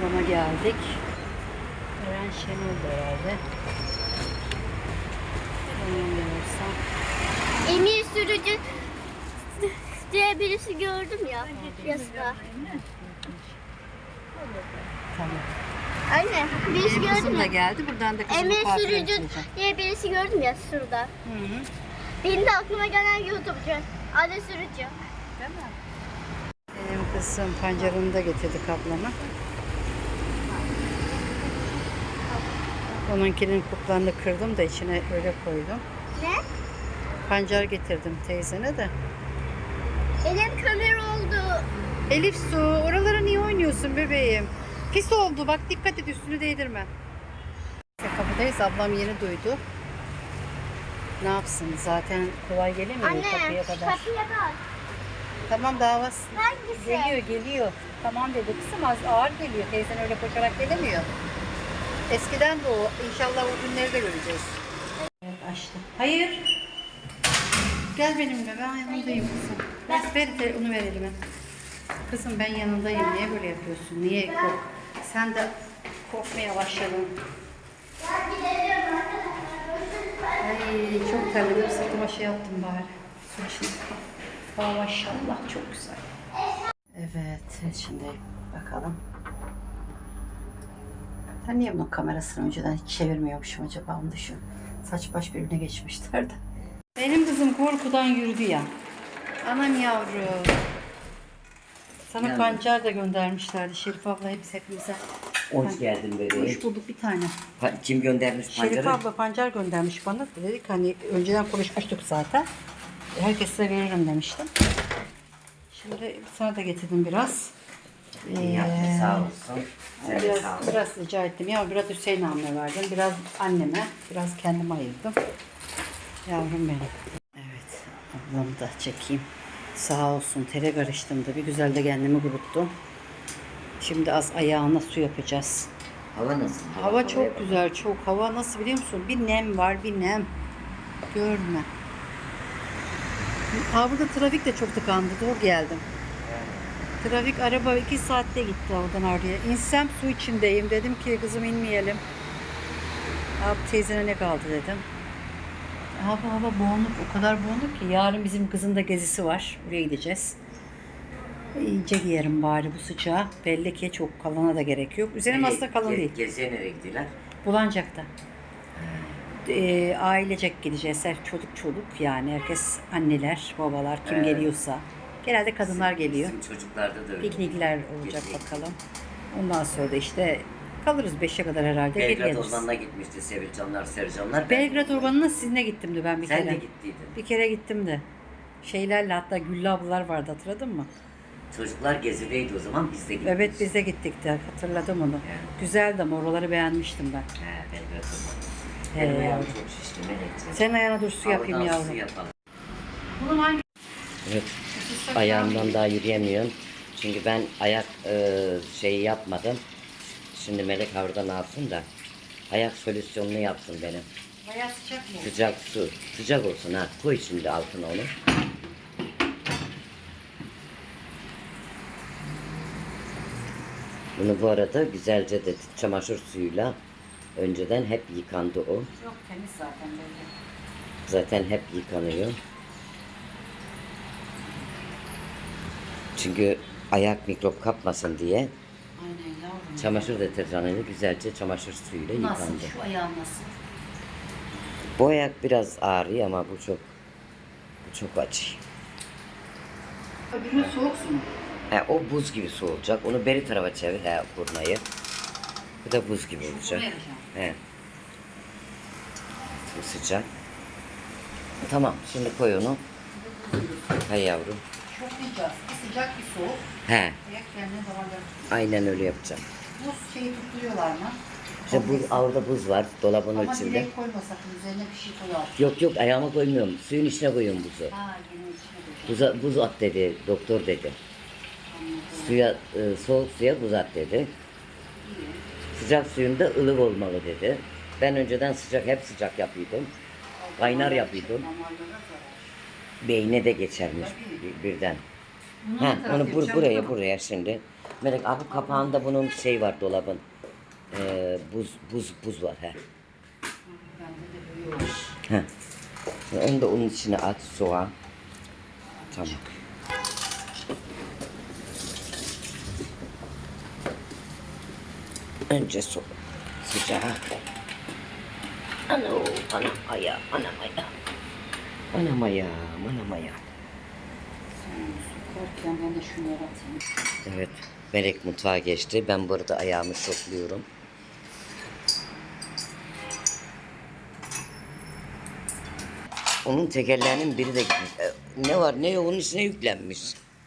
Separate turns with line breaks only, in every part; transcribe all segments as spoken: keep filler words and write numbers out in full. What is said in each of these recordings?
kaplama geldik. Eren Şenol herhalde. Yanılmıyorsam.
Emir Sürücü diye birisi gördüm ya yazıda.
Tamam.
Anne birisi
Benim kızım
gördüm
da
ya.
geldi. Buradan da kızımı
Emir
kuaföre
Sürücü
götüreceğim.
diye birisi gördüm ya şurada.
Hı hı.
Benim de aklıma gelen YouTube'cu. Adı Sürücü.
Değil mi? Benim kızım pancarını da getirdi kaplama. Onunkinin kuplarını kırdım da içine öyle koydum.
Ne?
Pancar getirdim teyzene de.
Elim kömür oldu.
Elif Su, oralara niye oynuyorsun bebeğim? Pis oldu, bak dikkat et, üstünü değdirme. Kapıdayız, ablam yeni duydu. Ne yapsın, zaten kolay gelemiyor
Anne
kapıya kadar.
kapıya bak.
Tamam, davası.
Hangisi?
Geliyor geliyor. Tamam dedi kızım, az ağır geliyor. Teyzen öyle koşarak gelemiyor. Eskiden de o. İnşallah o günleri de göreceğiz. Evet, açtı. Hayır. Gel benimle, ben yanındayım kızım. Ver, ver onu ver elime. Kızım ben yanındayım. Niye böyle yapıyorsun? Niye kork? Sen de korkmaya başladın. Ay çok terledim. Sırtıma şey yaptım bari. Su için. Aa, maşallah çok güzel. Evet, şimdi bakalım. Ben niye bunun kamerasını önceden hiç çevirmiyormuşum acaba, onu düşün. Saç baş birbirine geçmişler de. Benim kızım korkudan yürüdü ya. Anam yavrum. Sana
Yani.
pancar da göndermişlerdi Şerif abla, hepsi hepimize.
Hoş geldin bebeğim.
Hoş bulduk bir tane.
Pa- Kim göndermiş
Şerif
pancarı?
abla pancar göndermiş bana. Dedik hani önceden konuşmuştuk zaten. Herkese veririm demiştim. Şimdi sana da getirdim biraz.
İyi yaptın, sağ olsun. Sen de
Biraz,
sağ ol.
biraz rica ettim. Ya biraz Hüseyin abime verdim. Biraz anneme, biraz kendime ayırdım. Yavrum benim. Evet, ablamı da çekeyim. Sağ olsun, tere karıştım da bir güzel de kendimi kuruttum. Şimdi az ayağına su yapacağız.
Hava nasıl?
Hava çok güzel, çok. Hava nasıl biliyor musun? Bir nem var, bir nem. Görme. Ha, burada trafik de çok tıkandı. Doğru geldim. Trafik, araba iki saatte gitti oradan oraya. İnsem su içindeyim. Dedim ki kızım inmeyelim. Abi teyzene ne kaldı dedim. Hava hava boğunluk, o kadar boğunluk ki. Yarın bizim kızın da gezisi var. Buraya gideceğiz. İyice giyerim bari bu sıcağı. Belli ki çok kalana da gerek yok. Üzerim aslında kalın
Ge-
değil.
Geziye nereye gittiler?
Bulancak'ta. Ee, ailecek gideceğiz. Her çocuk çocuk yani. Herkes anneler, babalar, kim
Evet.
geliyorsa. Genelde kadınlar geliyor.
Bizim çocuklarda da öyle.
Piknikler olacak
Piknik.
bakalım. Ondan sonra da işte kalırız beşe kadar herhalde. Geri
Belgrad
geliriz.
Ormanı'na gitmişti Sevilcanlar, Sercanlar.
Belgrad Ormanı'na sizinle gittim de ben bir
Sen
kere.
de gittiydin.
Bir kere gittim de. Şeylerle, hatta Güllü ablalar vardı, hatırladın mı?
Çocuklar gezideydi o zaman, biz de gittik.
Evet, biz de gittik de, hatırladım onu.
Evet.
Güzeldi ama oraları beğenmiştim ben.
He, Belgrad Ormanı.
He.
Benim ayağım çok şişti Melek'ciğim.
Senin ayağına dur su yapayım
Havadan
yavrum.
su yapalım.
Bunun hangi?
Evet. Ayağımdan daha yürüyemiyorum. Çünkü ben ayak e, şeyi yapmadım. Şimdi Melek oradan alsın da ayak solüsyonunu yapsın benim.
Bayağı sıcak mı?
Sıcak su. Sıcak olsun ha. Koy şimdi altına onu. Bunu bu arada güzelce de çamaşır suyuyla önceden hep yıkandı o.
Yok, temiz zaten böyle.
Zaten hep yıkanıyor. Çünkü ayak mikrop kapmasın diye
Aynen yavrum.
çamaşır deterjanıyla güzelce çamaşır suyuyla
Nasıl?
yıkandı.
Şu ayağın nasıl?
Bu ayak biraz ağrıyor ama bu çok bu çok acı.
Öbürünün soğuk su mu?
He, o buz gibi soğuyacak. Onu beri tarafa çevir he, kurnayı. Bu da buz gibi olacak.
Buraya yapacağım.
He. Bu sıcak. Tamam, şimdi koy onu. Hay yavrum.
Şoklayacağız. Bir sıcak bir soğuk.
He,
Ayak kendine damarları.
aynen öyle yapacağım.
Buz şeyi tutturuyorlar mı?
İşte bu orada buz var dolabın
Ama
içinde.
direkt koyma sakın. Üzerine bir şey koyar.
Yok yok ayağıma koymuyorum. Suyun içine koyuyorum buzu.
Ha, yine içine koyacağım.
Buza, buz at dedi doktor dedi. Suya e, soğuk suya buz at dedi. Sıcak suyunda ılık olmalı dedi. Ben önceden sıcak hep sıcak yapıyordum. Kaynar yapıyordum.
Damarlara zarar.
Beyne de geçermiş bir- birden.
Bunu
Ha,
ne taraf
onu bur
yapacağım?
buraya
Tamam.
buraya şimdi Melek abi kapağında bunun şey var dolabın. Ee, buz buz buz var he.
Bende de böyle yok.
He. Şimdi onu da onun içine at soğan. Tamam. Önce su sıcak. Ano, anam ayağım, anam ayağım. Anam ayağım, anam ayağım.
Kokarken ben de şunu atayım.
Evet, Melek mutfağa geçti. Ben burada ayağımı şokluyorum. Onun tekerlerinin biri de gitmiş. E, ne var ne yok onun içine yüklenmiş.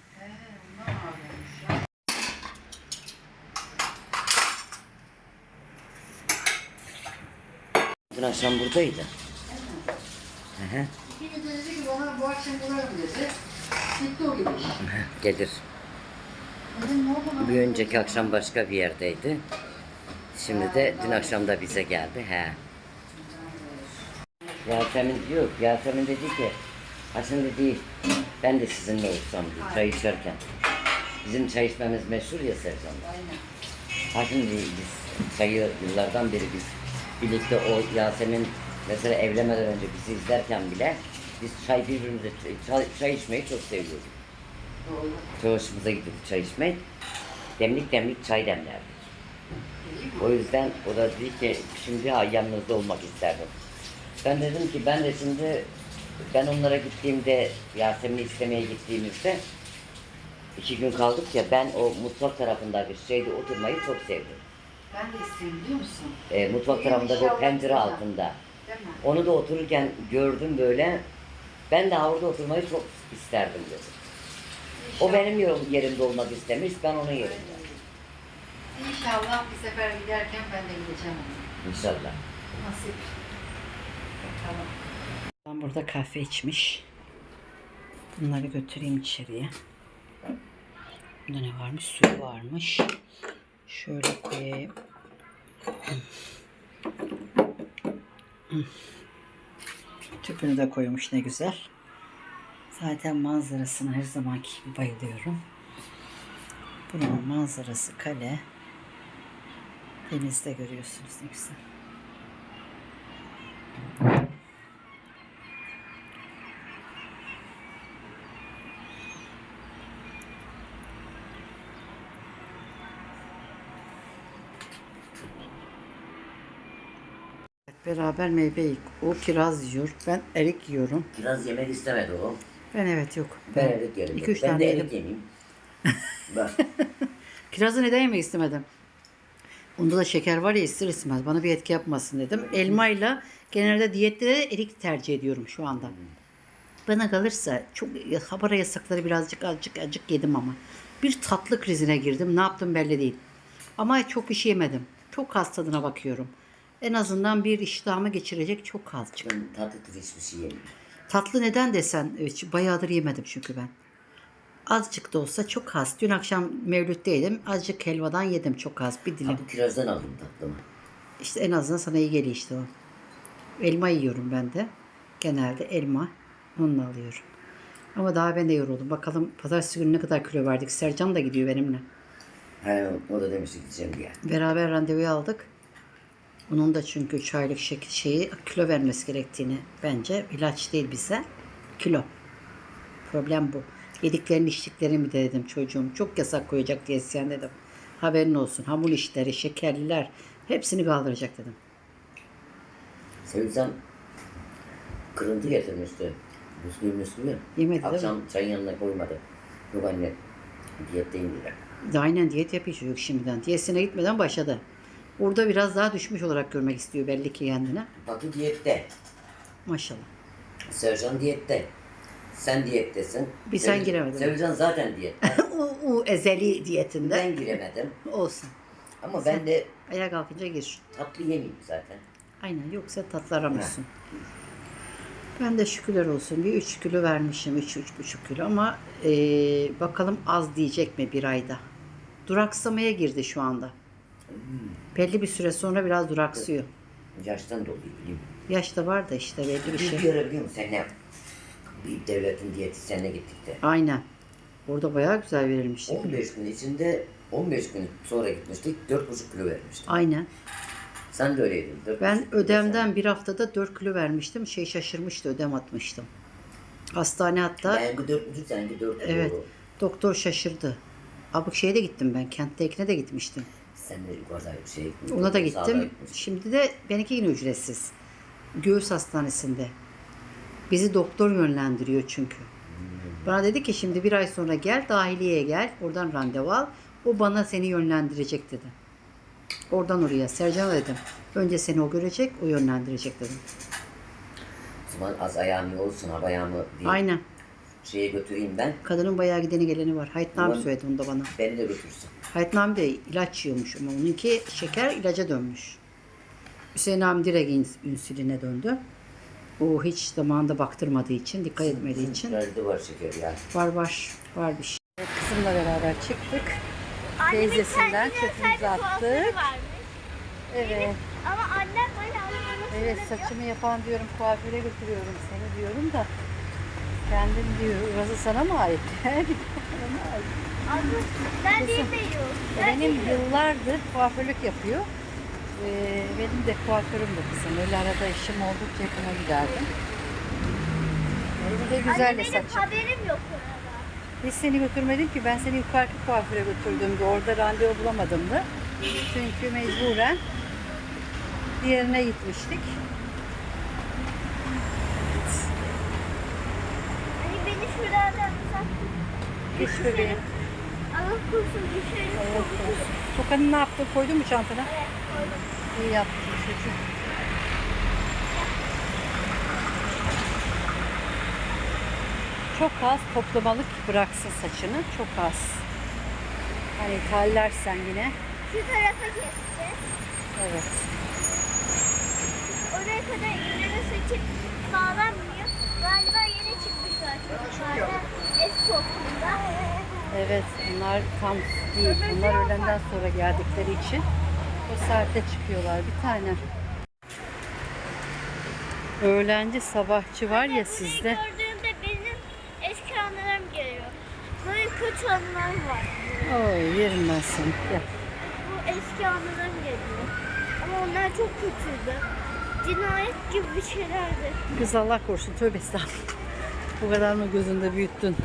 Dün akşam buradaydı. Hı hı.
İkimiz de dedi ki bana bu akşam bulalım dedi. Gitti o gidiş.
Gelir.
Dedim ne oldu bana?
Bir önceki akşam başka bir yerdeydi. Şimdi de dün akşam da bize geldi. He. Yasemin diyor, Yasemin dedi ki, ha şimdi değil, ben de sizinle olsam diyor, çay içerken. Bizim çay içmemiz meşhur ya Sercan'da.
Aynen.
Ha şimdi biz çayı yıllardan beri biz birlikte o Yasemin mesela evlenmeden önce bizi izlerken bile biz çay birbirimize çay, çay içmeyi çok seviyorduk.
Doğru.
Çok hoşumuza gidiyordu çay içmek. Demlik demlik çay demlerdik. O yüzden o da dedi ki şimdi ha, yanınızda olmak isterdim. Ben dedim ki ben de şimdi ben onlara gittiğimde Yasemin'i istemeye gittiğimizde iki gün kaldık ya ben o mutfak tarafındaki şeyde oturmayı çok sevdim.
Ben de istedim biliyor musun?
E, mutfak tarafında o pencere altında.
Değil mi?
Onu da otururken gördüm böyle. Ben de orada oturmayı çok isterdim dedim. O benim yer- yerimde olmak istemiş, ben onun yerinde.
İnşallah bir sefer giderken ben de gideceğim ona.
İnşallah.
Nasip. Bakalım. Ben burada kahve içmiş. Bunları götüreyim içeriye. Burada ne varmış? Suyu varmış. Şöyle koyayım. Tüpünü de koymuş ne güzel. Zaten manzarasına her zamanki gibi bayılıyorum. Buranın manzarası kale. Denizde görüyorsunuz ne güzel. Beraber meyve yiyik. O kiraz yiyor. Ben erik yiyorum.
Kiraz yemek istemedi o.
Ben evet yok.
Ben erik yerim.
İki üç
Ben
tane
de
yerim.
erik yemeyeyim. Bak.
Kirazı neden yemek istemedim? Onda da şeker var ya ister istemez. Bana bir etki yapmasın dedim. Elmayla genelde diyette de erik tercih ediyorum şu anda. Bana kalırsa çok habara yasakları birazcık azıcık azıcık yedim ama. Bir tatlı krizine girdim. Ne yaptım belli değil. Ama çok bir şey yemedim. Çok az tadına bakıyorum. En azından bir iştahımı geçirecek çok azıcık.
Ben tatlı tuz hiçbir şey yemiyorum.
Tatlı neden desen evet, bayağıdır yemedim çünkü ben. Azıcık da olsa çok az. Dün akşam mevlütteydim. Azıcık helvadan yedim çok az. Bir dilim.
Ha, bu kirazdan aldım tatlımı.
İşte en azından sana iyi geliyor işte o. Elma yiyorum ben de. Genelde elma. Onunla alıyorum. Ama daha ben de yoruldum. Bakalım pazartesi günü ne kadar kilo verdik. Sercan da gidiyor benimle.
He, o da demişti gideceğim diye.
Beraber randevuyu aldık. Onun da çünkü üç aylık şekil şeyi kilo vermesi gerektiğini bence ilaç değil bize. Kilo. Problem bu. Yediklerini içtiklerini mi de dedim çocuğum. Çok yasak koyacak diyetisyen dedim. Haberin olsun. Hamur işleri, şekerliler hepsini kaldıracak dedim.
Sevsem kırıntı getirmişti. Müslüm Müslüm'ü.
Yemedi değil
Akşam çayın yanına koymadı. Yok anne diyetteyim dediler.
De aynen diyet yapıyor çocuk şimdiden. Diyetine gitmeden başladı. Orada biraz daha düşmüş olarak görmek istiyor belli ki kendine.
Batu diyette.
Maşallah.
Sercan diyette. Sen diyettesin.
Bir sen
Sev-
giremedin.
Sercan zaten diyette.
o, o ezeli diyetinde.
Ben giremedim.
Olsun.
Ama ben de
Ayağa kalkınca gir.
tatlı yemeyeyim zaten.
Aynen yoksa tatlı aramıyorsun. Ben de şükürler olsun bir üç kilo vermişim. üç üç buçuk kilo ama eee, bakalım az diyecek mi bir ayda. Duraksamaya girdi şu anda. Belli bir süre sonra biraz duraksıyor.
Yaştan dolayı bileyim.
Yaş da var da işte belli bir
Bir
şey.
görebiliyor musun senle? Bir devletin diyetisyenine gittik de.
Aynen. Orada bayağı güzel verilmiş.
on beş gün içinde on beş gün sonra gitmiştik, dört buçuk kilo vermiştim.
Aynen.
Sen de öyleydin. dört
Ben
buçuk kilo
ödemden
sen.
bir haftada dört kilo vermiştim. Şey şaşırmıştı, ödem atmıştım. Hastane hatta.
Benimki dört buçuk, seninki dört kilo.
Evet. Doktor şaşırdı. Abuk şeye de gittim ben. Kenttekine de gitmiştim.
Sen de yukarıda bir şey gittin.
Ona da
sağda
gittim.
gitmiştin.
Şimdi de benimki yine ücretsiz. Göğüs hastanesinde. Bizi doktor yönlendiriyor çünkü. Bana dedi ki şimdi bir ay sonra gel, dahiliyeye gel. Oradan randevu al. O bana seni yönlendirecek dedi. Oradan oraya. Sercan dedim. Önce seni o görecek, o yönlendirecek dedim.
O zaman az ayağım iyi olsun, hava ayağımı bir
Aynen.
şeye götüreyim ben.
Kadının bayağı gideni geleni var. Hayatname
Ulan-
söyledi onu da bana.
Beni de götürsün.
Hayatname de ilaç yiyormuş ama onunki şeker ilaca dönmüş. Hüseyin abim direkt ins- insüline döndü. O hiç zamanında baktırmadığı için, dikkat etmediği için.
Nerede var şeker ya?
Var var, var bir şey. Kızımla beraber çıktık.
Annemin
Teyzesinden
kendine
çöpümüzü
özel bir kuaförü
attık.
varmış.
Evet.
Ama annem böyle anlamını
Evet, saçımı yapan diyorum kuaföre götürüyorum seni diyorum da. Kendim diyor, orası sana mı ait? Bana mı ait?
Abla ben değil de yok.
Benim yıllardır kuaförlük yapıyor. Ee, benim de kuaförüm de kızım. Öyle arada işim oldukça yakına giderdim. Benim de güzel
Anne
de
benim
saçım.
haberim yok orada.
Biz seni götürmedim ki, ben seni yukarıki kuaföre götürdüm de orada randevu bulamadım da. Çünkü mecburen diğerine gitmiştik.
Hani beni şuradan uzattın.
Geç bebeğim.
Allah korusun düşerim.
Allah korusun. Tokanı ne yaptın? Koydun mu çantana?
Evet koydum.
İyi yaptın çocuğum. Çok az toplamalık bıraksın saçını. Çok az. Hani tallersen yine.
Şu tarafa keseceğiz.
Evet.
Oraya kadar inleme saçı bağlanmıyor. Galiba yeni çıkmışlar çocuklardan eski okulda.
Evet. Bunlar tam değil. Bunlar öğlenden sonra geldikleri için o saatte çıkıyorlar. Bir tane. Öğlenci sabahçı var ya sizde.
Bunları gördüğümde benim eski anılarım geliyor. Böyle kötü anılar var.
Oy yerim ben seni. Gel.
Bu eski anılarım geliyor. Ama onlar çok kötüydü. Cinayet gibi bir şeylerdi.
Kız Allah korusun. Tövbe estağfurullah. Bu kadar mı gözünde büyüttün?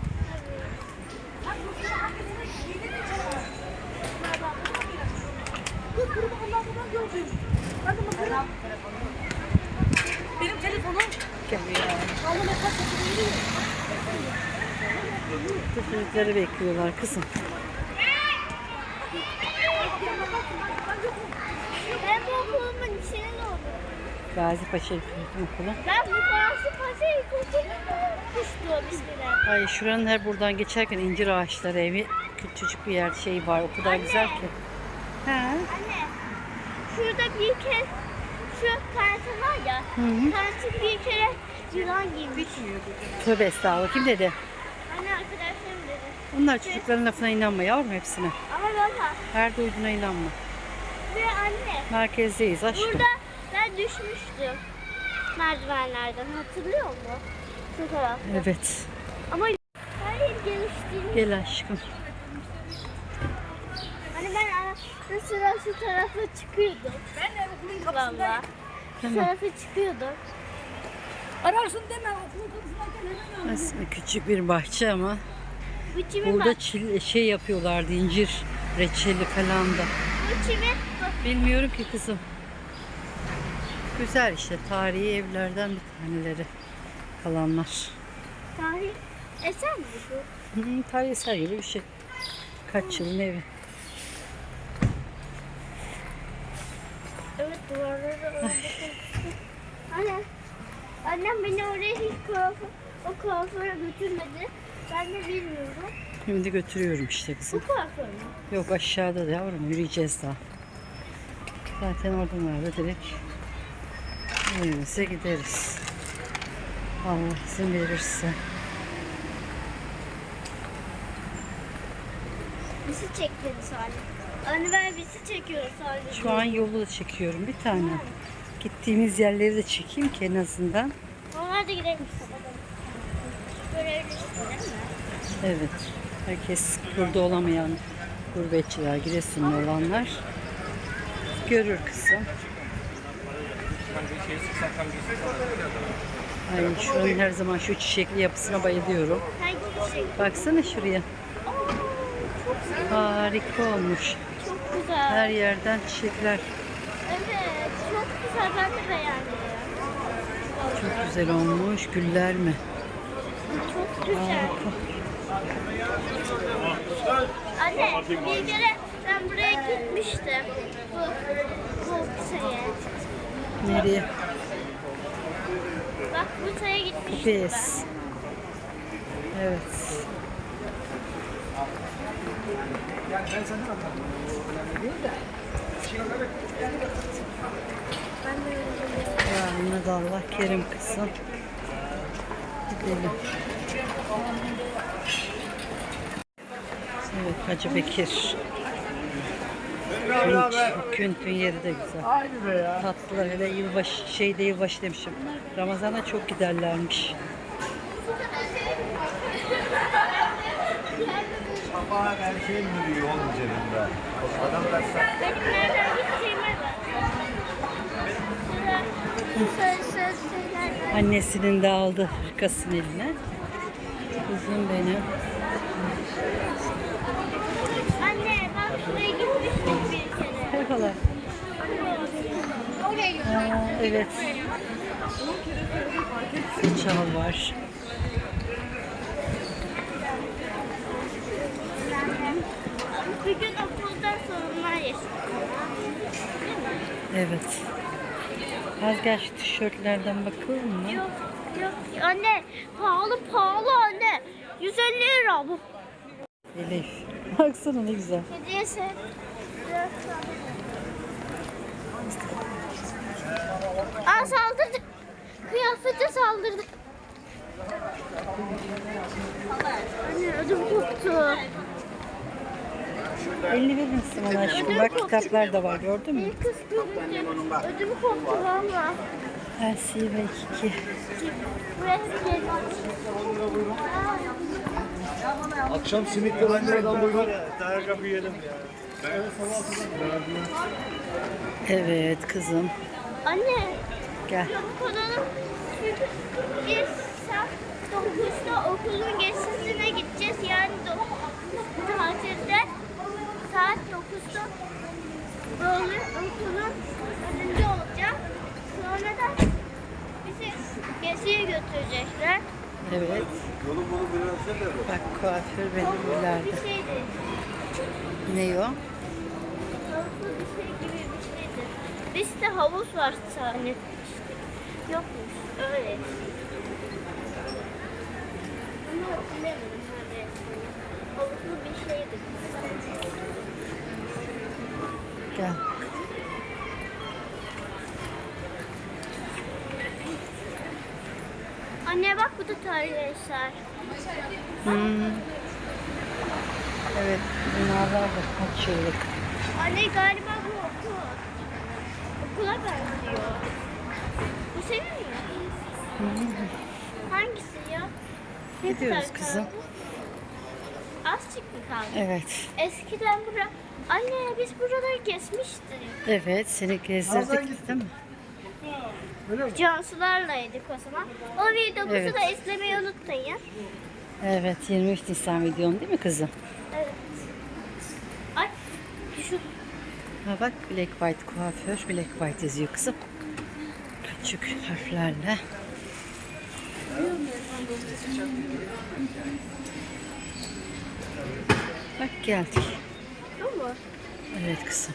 Benim telefonum.
Gel.
Vallahi ne kadar
Çocukları bekliyorlar kızım.
Ben bu okulumun içine doğdum.
Gazi Paşa İlköğretim Okulu.
Ben bu Gazi Paşa İlkokulu'nda kuşluğum ismine.
Ay şuranın her buradan geçerken incir ağaçları evi küçücük bir yer şey var. O kadar güzel ki. He.
Anne, şurada bir kez şu kantin var ya, kantin bir kere yılan giymiş.
Tövbe estağfurullah. Kim dedi?
Anne arkadaşlarım dedi.
Onlar çocukların lafına inanma yavrum hepsine.
Ama baba
Her duyduğuna inanma.
ve anne,
Merkezdeyiz aşkım.
burada ben düşmüştüm merdivenlerden, hatırlıyor musun? Şu tarafta.
Evet.
Ama hayır geliştiğini.
Gel aşkım.
Hani ben ara sıra şu tarafa çıkıyordum.
Ben de okulun
Valla.
kapısındayım.
Şu
Tamam.
tarafa çıkıyordum.
Ararsın deme okulun kapısındayken hemen ara.
Aslında küçük bir bahçe ama
Bu çimin
burada
bak.
çil, şey yapıyorlardı, incir reçeli falan da.
Bu çimin bak.
Bilmiyorum ki kızım. Güzel işte, tarihi evlerden bir taneleri kalanlar.
Tarih eser mi bu?
Hı, tarihi eser gibi bir şey. Kaç yılın evi.
Evet duvarları öyle. Anne, annem beni oraya hiç kuaför, o kuaföre götürmedi. Ben de bilmiyorum.
Şimdi götürüyorum işte
Bu
kızım.
kuaför mü?
Yok aşağıda da yavrum, yürüyeceğiz daha. Zaten oradan da direkt evimize gideriz. Allah izin verirse.
Bizi çekti Salih. Anne ben bizi çekiyor Salih.
Şu an yolu da çekiyorum bir tane. Gittiğimiz yerleri de çekeyim ki en azından.
Onlar da gidelim sabahdan. Görebilirsin değil mi?
Evet. Herkes burada olamayan Gurbetçiler, Giresunlu olanlar görür kızım. Ay şuranın her zaman şu çiçekli yapısına bayılıyorum.
Hangi çiçek?
Baksana şuraya. Harika olmuş.
Çok güzel.
Her yerden çiçekler.
Evet, çok güzel. Ben de beğendim.
Çok güzel olmuş. Güller mi?
Çok güzel.
Harika.
Anne, bir kere ben buraya gitmiştim. Bu, bu şeye.
Nereye?
Bak bu şeye gitmiştim
Pes. Evet. Ya Ahmet Allah kerim kızım. Gidelim. Evet Hacı Bekir. Künç, Küntün yeri de güzel.
Aynı be ya.
Tatlılar hele yılbaşı, şeyde yılbaşı demişim. Ramazan'a çok giderlermiş.
Kapağı her şey mi diyor onun üzerinde? Adam dersen.
Benim nereden gideceğime bak. Şurada söz söz şeyler var.
Annesinin de aldı hırkasını eline. Kızım benim.
Anne bak buraya gitmiştik bir kere.
Merhabalar.
Oraya gitmiştik.
Aa, evet. Çal var.
Bir gün okuldan sorunlar yaşadım.
Evet. Az gel şu tişörtlerden bakalım mı?
Yok yok anne pahalı pahalı anne. yüz elli lira bu.
Elif. Baksana ne güzel.
Hediyesi. Aa saldırdı. Kıyafete saldırdı. Anne ödüm koptu.
Elini verir misin bana aşkım? Bak kitaplar da var gördün mü?
Bir kız görünce ödüm koptu valla.
Elsi ve Kiki.
Buraya geldim.
Akşam simitle bandıradan buyurun. Dayak kapı yiyelim ya.
Evet kızım.
Anne.
Gel.
Çabuk olalım. Çünkü biz saat dokuzda okulun gezisine gideceğiz. Yani do- tatilde saat dokuzda böyle okulun önünde olacağım. Sonra da bizi geziye götürecekler.
Evet.
Yolu bunu biraz da
Bak kuaför benim ileride.
Bir şeydi.
Ne o?
Havuzlu bir şey gibi bir şeydi. Biz de havuz var zannetmiştik. Yokmuş. Öyle. Ama hatırlamıyorum hani. Havuzlu bir şeydi.
Gel.
Anne bak bu da tarihi eser.
Hmm. Evet. Binalar da kaç yıllık.
Anne galiba bu okul. Okula benziyor. Bu senin mi? Hangisi ya? Ne
Gidiyoruz
kadar
kızım.
kaldı? Azıcık mı kaldı?
Evet.
Eskiden bura... Anne biz buraları kesmiştik.
Evet seni gezdirdik değil mi?
Cansularlaydık o zaman. O videomuzu
Evet.
da izlemeyi unutmayın.
Evet yirmi üç Nisan videon değil mi kızım?
Evet. Ay şu
Ha bak Black White kuaför. Black White yazıyor kızım. Küçük harflerle. Bak geldik.
bu mu?
Evet kızım.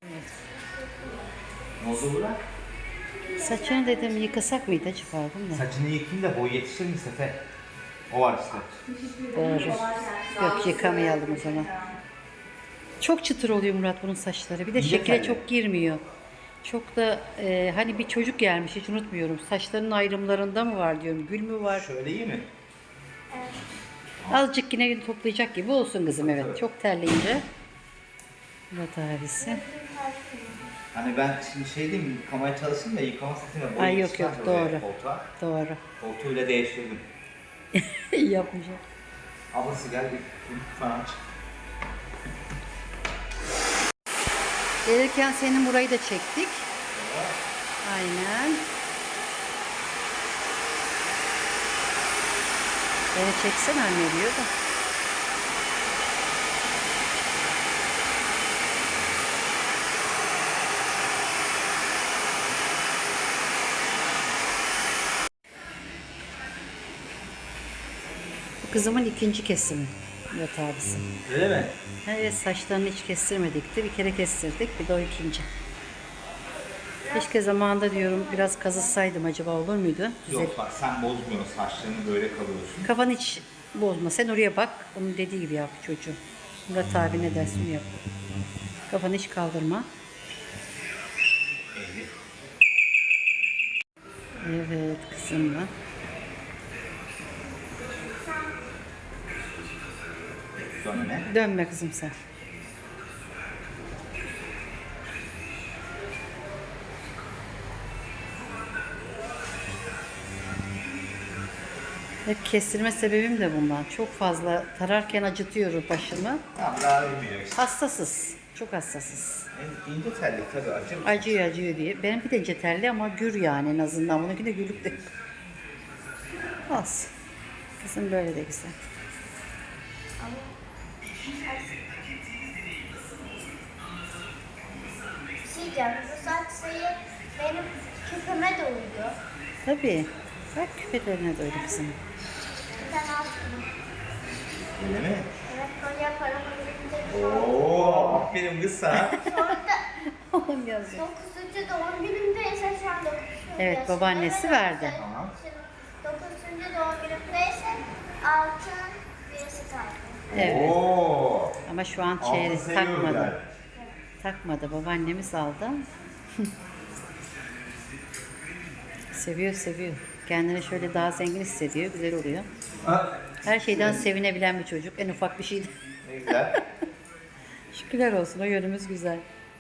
Ne oldu Burak?
Saçını dedim yıkasak mıydı acaba değil mi?
Saçını yıkayayım da boy yetişir mi Sefer? O var işte.
Doğru. Yok yıkamayalım o zaman. Çok çıtır oluyor Murat bunun saçları. Bir de
İyi
şekile
telli.
çok girmiyor. Çok da e, hani bir çocuk gelmiş hiç unutmuyorum. Saçlarının ayrımlarında mı var diyorum. Gül mü var?
Şöyle iyi mi?
Azıcık yine toplayacak gibi olsun kızım evet. Çok terleyince. Murat abisi.
Hani ben şimdi şey diyeyim mi? Yıkamaya çalışayım da yıkama setine boy
Ay yok
yetişmez
yok
oraya,
doğru.
Koltuğa.
Doğru.
Koltuğu bile değiştirdim.
İyi yapmış.
Ablası gel bir bunu falan aç.
Gelirken senin burayı da çektik. Aynen. Beni çeksen anne diyor da. Bu kızımın ikinci kesimi. Murat abisi.
Öyle mi?
Evet, saçlarını hiç kestirmedik de bir kere kestirdik, bir de o ikinci. Keşke zamanında diyorum biraz kazısaydım, acaba olur muydu? Güzel.
Yok bak sen bozmuyorsun, saçlarını böyle kalıyorsun.
Kafanı hiç bozma, sen oraya bak, onun dediği gibi yap çocuğu. Murat abi ne dersin onu yap. Kafanı hiç kaldırma. Evet kızımla.
Sonra ne?
Dönme kızım sen. Hep kestirme sebebim de bundan. Çok fazla tararken acıtıyor başımı.
Tamam daha bilmiyor işte.
Hassasız. Çok hassasız.
En ince telli tabii acır.
Acıyor acıyor diye. Benim bir de ince telli ama gür yani en azından. Bununki de gürlük de. Az. Kızım böyle de güzel.
Bir şey diyeceğim. Bu saç sayı benim küpeme de uyuyor.
Tabii. Bak küpelerine de öyle kızım.
Bir tane altın.
Öyle mi?
Evet, böyle yaparım. Önümde
Oo, aferin kız sana.
Oğlum yazıyor.
dokuzuncu doğum günümdeyse şu an dokuzuncu
Evet,
yaşındayım.
babaannesi verdi.
Tamam.
dokuzuncu doğum günümdeyse altın birisi kaldı.
Evet.
Oo.
Ama şu an
Altın
çeyrek
seviyor
takmadı.
yani.
Takmadı. Babaannemiz aldı. Seviyor seviyor. Kendini şöyle daha zengin hissediyor. Güzel oluyor.
Ha,
Her şeyden sevinebilen bir çocuk. En ufak bir şeydi.
ne güzel.
Şükürler olsun. O yönümüz güzel.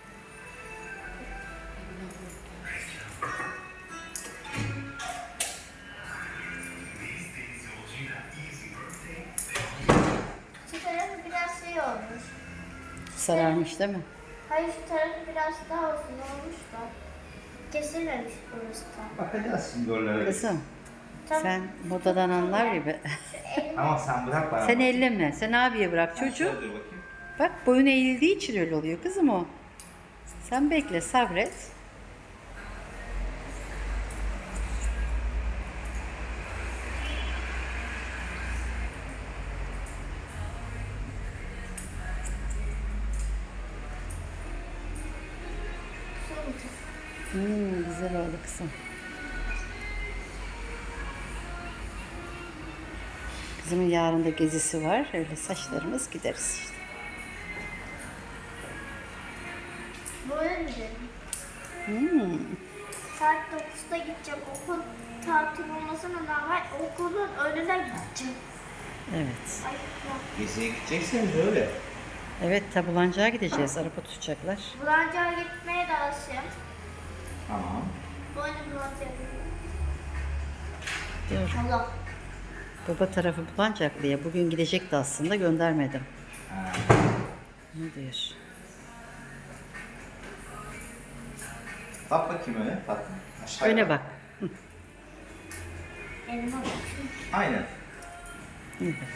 Şu tarafı biraz şey olmuş.
Sararmış değil mi?
Hayır, şu tarafı biraz daha uzun olmuş da. Kesilmemiş burası da.
Bakacağız şimdi oralara.
Kızım
Tamam.
sen modadan anlar gibi.
Tamam sen bırak bana.
Sen elleme. Sen abiye bırak çocuğu.
Şöyle dur bakayım.
Bak boyun eğildiği için öyle oluyor kızım o. Sen bekle, sabret. Hmm, güzel oldu kızım. Kızımın yarın da gezisi var. Öyle saçlarımız gideriz işte.
Böyle mi dedim?
Hmm.
Saat dokuzda gideceğim. Okul tatil olmasına rağmen okulun önüne gideceğim.
Evet.
Ay yok.
Geziye gidecekseniz öyle.
Evet, tabulancağa gideceğiz. Araba tutacaklar.
Bulancağa gitmeye de alışım.
Tamam.
Böyle bulancağa gidiyorum.
Dur.
Allah.
Baba tarafı Bulancaklı'ya. Bugün gidecekti aslında, göndermedim.
Ha.
Ne diyor?
Bak bakayım öyle. Bak. Aşağıya
Öne bak.
Elma bak.
Aynen.
İyi bak.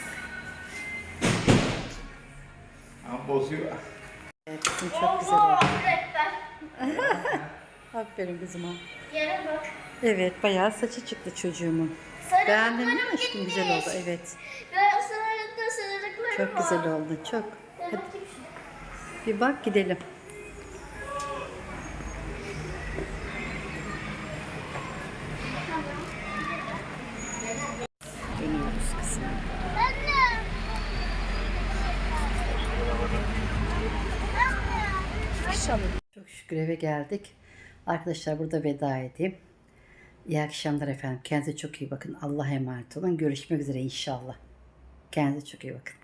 Ama bozuyor.
Evet, kızım çok güzel oldu.
Oho, öğretmen.
Aferin kızıma.
Yere bak.
Evet, bayağı saçı çıktı çocuğumun. Beğendin değil mi
Sarılıklarım
aşkım?
gitmiş.
Güzel oldu, evet.
Ben sarılıkta sarılıklarım
Çok
var.
güzel oldu, çok.
Ben
Hadi
bakayım şuna.
bir bak gidelim. Dönüyoruz kızım.
Anne.
Çok şükür eve geldik. Arkadaşlar burada veda edeyim. İyi akşamlar efendim. Kendinize çok iyi bakın. Allah'a emanet olun. Görüşmek üzere inşallah. Kendinize çok iyi bakın.